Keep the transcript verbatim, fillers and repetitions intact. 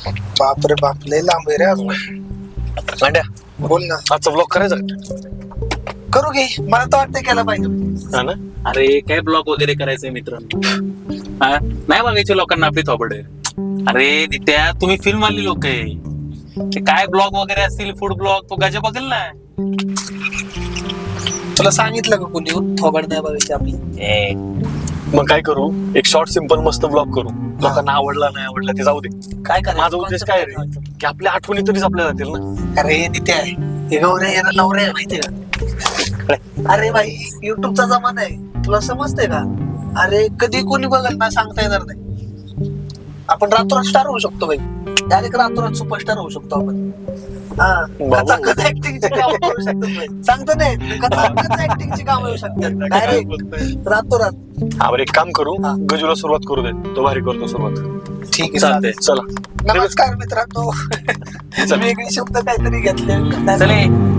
बापरे बाप, लय लांब आहे रे अजून. मांड्या बोल ना. आजचा ब्लॉग करायचा करू घे, मला तर वाटतं केला पाहिजे. हा ना. अरे काय ब्लॉग वगैरे करायचंय मित्र, हा नाही बघायचे लोकांना आपली थोबड. अरे त्या तुम्ही फिल्म वाली लोक आहे, ते काय ब्लॉग वगैरे असतील, फूड ब्लॉग तो गजा बघेल ना. तुला सांगितलं का कोणी थोबाड नाही बघायची आपली? ए, मग काय करू, एक शॉर्ट सिंपल मस्त ब्लॉग करू. लोकांना आवडला नाही आवडला ते जाऊ दे. काय करायचं? माझा उद्देश काय रे, की आपल्या आठवणी तरी जपल्या जातील ना. अरे नित्या आहे हे, गौऱ्या याला नवऱ्या आहे माहितीये का? अरे भाई, युट्यूबचा जमाना आहे, तुला समजतंय का? अरे कधी कोणी बघल ना सांगता येणार नाही. आपण रातोरात स्टार होऊ शकतो भाई, डायरेक्ट रातोरात सुपरस्टार होऊ शकतो आपण. हा, कथा कथा ऍक्टिंगची कामं करू शकतो भाई. सांगतो नाही, कथा कथा ऍक्टिंगची कामं येऊ शकतात डायरेक्ट रातोरात. हा बरं, एक काम करू, हा. गजूला सुरुवात करू दे, तो भारी करतो सुरुवात. ठीक आहे, चालतंय. चला नमस्कार मित्रांनो. वेगळे शब्द काहीतरी घेतले. चले